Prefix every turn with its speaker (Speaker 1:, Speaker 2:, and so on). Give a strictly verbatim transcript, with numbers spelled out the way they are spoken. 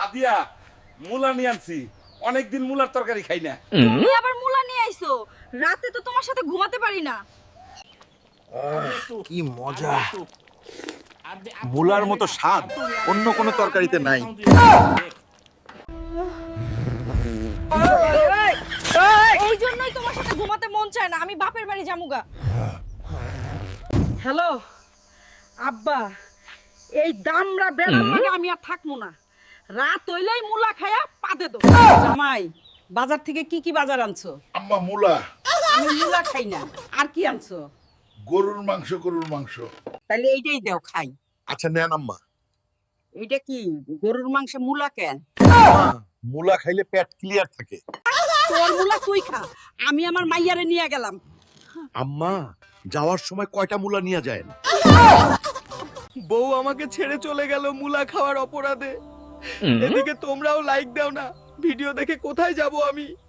Speaker 1: সাদিয়া মুলা নিয়ে আনছি, অনেকদিন মুলার তরকারি খাই না।
Speaker 2: তুমি আবার মুলা নিয়ে আইছো? রাতে তো তোমার সাথে ঘুমাতে পারি না।
Speaker 3: কি মজা! মুলার মতো স্বাদ অন্য কোনো তরকারিতে নাই।
Speaker 2: এই জন্যই তোমার সাথে ঘুমাতে মন চায় না। আমি বাপের বাড়ি যামুগা।
Speaker 4: হ্যালো আব্বা, এই দামরা বেড়ার লাগে আমি আর থাকবো না। রাত হইলেই মুলা খায়া পাদে দো। জামাই, বাজার থেকে কি কি বাজার আনছো?
Speaker 5: আম্মা মুলা,
Speaker 4: আমি মুলা খাই না। আর কি আনছো?
Speaker 5: গরুর মাংস, গরুর মাংস।
Speaker 4: তাহলে এইটাই দাও খাই।
Speaker 3: আচ্ছা নেন আম্মা।
Speaker 4: এইটা কি গরুর মাংসে মুলা কেন?
Speaker 3: আম্মা, মুলা খাইলে পেট ক্লিয়ার থাকে।
Speaker 4: তোর মুলা তুই খা, আমি আমার মাইয়ারে নিয়ে গেলাম।
Speaker 3: আম্মা, যাওয়ার সময় কয়টা মুলা নিয়ে যায়?
Speaker 6: বউ আমাকে ছেড়ে চলে গেল মুলা খাওয়ার অপরাধে। এদিকে তোমরাও লাইক দাও না, ভিডিও দেখে কোথায় যাব আমি?